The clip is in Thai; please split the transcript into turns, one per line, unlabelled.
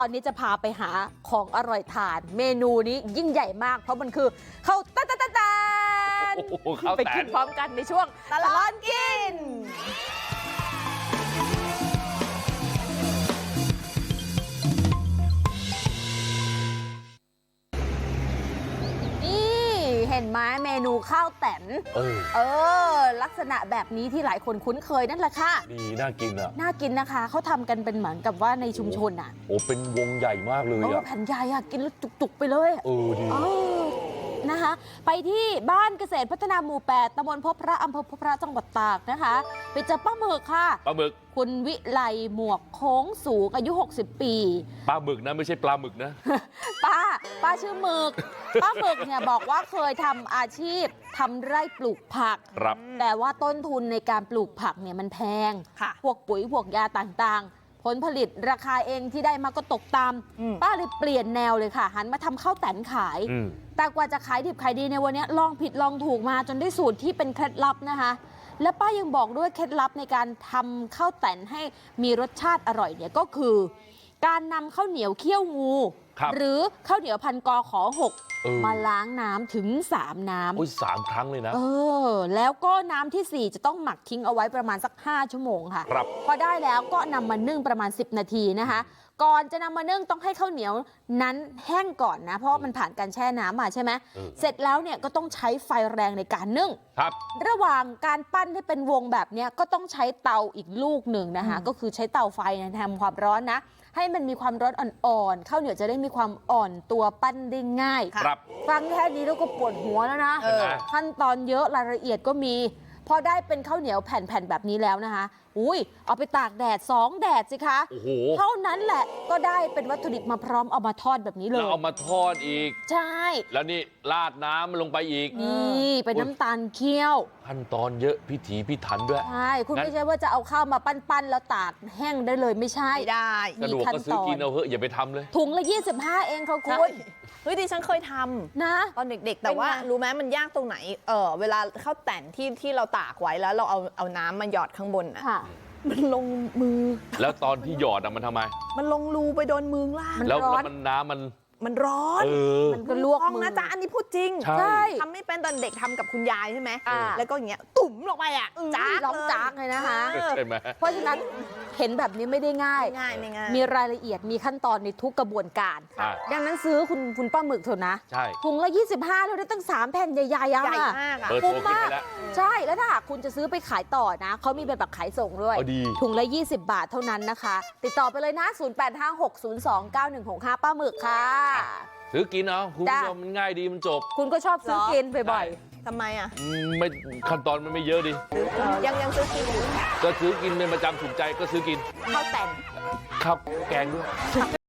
ตอนนี้จะพาไปหาของอร่อยทานเมนูนี้ยิ่งใหญ่มากเพราะมันคือข้าวตะนไปกินพร้อมกันในช่วงตลอดกินเห็นไหมเมนูข้าวแตนลักษณะแบบนี้ที่หลายคนคุ้นเคยนั่นแหละค่ะ
ดีน่ากินอ่ะ
น่ากินนะคะเขาทำกันเป็นเหมือนกับว่าในชุมชนอ่ะ
โอ้เป็นวงใหญ่มากเลยอ่ะ
แผ่นใหญ่อ่ะกินแล้วจุกๆไปเลย
ดี
นะคะไปที่บ้านเกษตรพัฒนาหมู่ 8 ตำบลพบพระอำเภอพบพระจังหวัดตากนะคะไปเจอป้าหมึกค่ะ
ป้าหมึก
คุณวิไลหมวกโค้งสูงอายุ60 ปี
ป้าหมึกนะไม่ใช่ปลาหมึกนะ
ป้าชื่อหมึกป้าหมึกเนี่ยบอกว่าเคยทำอาชีพทำไร่ปลูกผักแต่ว่าต้นทุนในการปลูกผักเนี่ยมันแพงพวกปุ๋ยพวกยาต่างๆผลผลิตราคาเองที่ได้มาก็ตกต่ำป้าเลยเปลี่ยนแนวเลยค่ะหันมาทำข้าวแตนขายแต่กว่าจะขายดิบขายดีในวันนี้ลองผิดลองถูกมาจนได้สูตรที่เป็นเคล็ดลับนะคะและป้ายังบอกด้วยเคล็ดลับในการทำข้าวแตนให้มีรสชาติอร่อยเนี่ยก็คือการนำข้าวเหนียวเคี่ยวงูหรือข้าวเหนียวพันกขอ6มาล้างน้ำถึง3น้ำ
3 ครั้งเลยนะ
แล้วก็น้ำที่4จะต้องหมักทิ้งเอาไว้ประมาณสัก5 ชั่วโมงค่ะพอได้แล้วก็นำมานึ่งประมาณ10 นาทีนะคะก่อนจะนำมานึ่งต้องให้ข้าวเหนียวนั้นแห้งก่อนนะเพราะมันผ่านการแช่น้ำมาใช่ไหมเสร็จแล้วเนี่ยก็ต้องใช้ไฟแรงในการนึ่งระหว่างการปั้นให้เป็นวงแบบนี้ก็ต้องใช้เตาอีกลูกหนึ่งนะคะก็คือใช้เตาไฟทำความร้อนนะให้มันมีความร้อนอ่อนๆข้าวเหนียวจะได้มีความอ่อนตัวปั้นได้ง่ายฟังแค่นี้แล้วก็ปวดหัวแล้วนะขั้นตอนเยอะรายละเอียดก็มีพอได้เป็นข้าวเหนียวแผ่นๆแบบนี้แล้วนะคะเอาไปตากแดด2 แดดสิคะเท่านั้นแหละก็ได้เป็นวัตถุดิบมาพร้อมเอามาทอดแบบนี้เลย
แล้วเอามาทอดอีก
ใช่
แล้วนี่ราดน้ำลงไปอีก
นี่เป็นน้ำตาลเคี่ยว
ขั้นตอนเยอะพิถีพิถันด้วย
ใช่คุณไม่ใช่ว่าจะเอาข้าวมาปั้นแล้วตากแห้งได้เลยไม่ใช่
ได้
สะดวกก็ซื้อกินเอาเถอะอย่าไปทำเลย
ถุงละ25เองค่ะคุณ
ดิฉันเคยทำนะตอนเด็กๆแต่ว่ารู้ไหมมันยากตรงไหนเวลาข้าวแต่นที่เราตากไว้แล้วเราเอาน้ำมาหยอดข้างบนอ่ะมันลงมือ
แล้วตอนที่หยอดมันทำไม
มันลงรูไปโดนมือล่าง
แล้วมันน้ำ
มันร้อน
มันก็ลวกมือ
นะจ๊ะอันนี้พูดจริง
ใช่
ทำไม่เป็นตอนเด็กทำกับคุณยายใช่ไหมแล้วก็อย่างเงี้ยตุ่มลงไปอ่ะ
จ้าร้องจ้าเลยนะคะเพราะฉะนั้นเห็นแบบนี้ไม่ได้ง่ายมีรายละเอียดมีขั้นตอนในทุกกระบวนการดังนั้นซื้อคุณป้าหมึกเถอะนะถุงละ25เราได้ตั้ง3 แผ่นใหญ่ๆอะค่ะ
คุ้มมาก
ใช่แล้วถ้าหากคุณจะซื้อไปขายต่อนะเขามีแบบขายส่งด้วยถุงละ20 บาทเท่านั้นนะคะติดต่อไปเลยนะ0856029165ป้าหมึกค่ะ
ซื้อกินเอาคุณผู้ชมมันง่ายดีมันจบ
คุณก็ชอบซื้อกินบ่อย
ๆทำไมอ่ะ
ไม่ขั้นตอนมันไม่เยอะดิ
ยังซื้อกินอยู่
ก็ซื้อกินเป็นประจำถูกใจก็ซื้อกิน
ข้าวแต่น
ข้าวแกงด้วย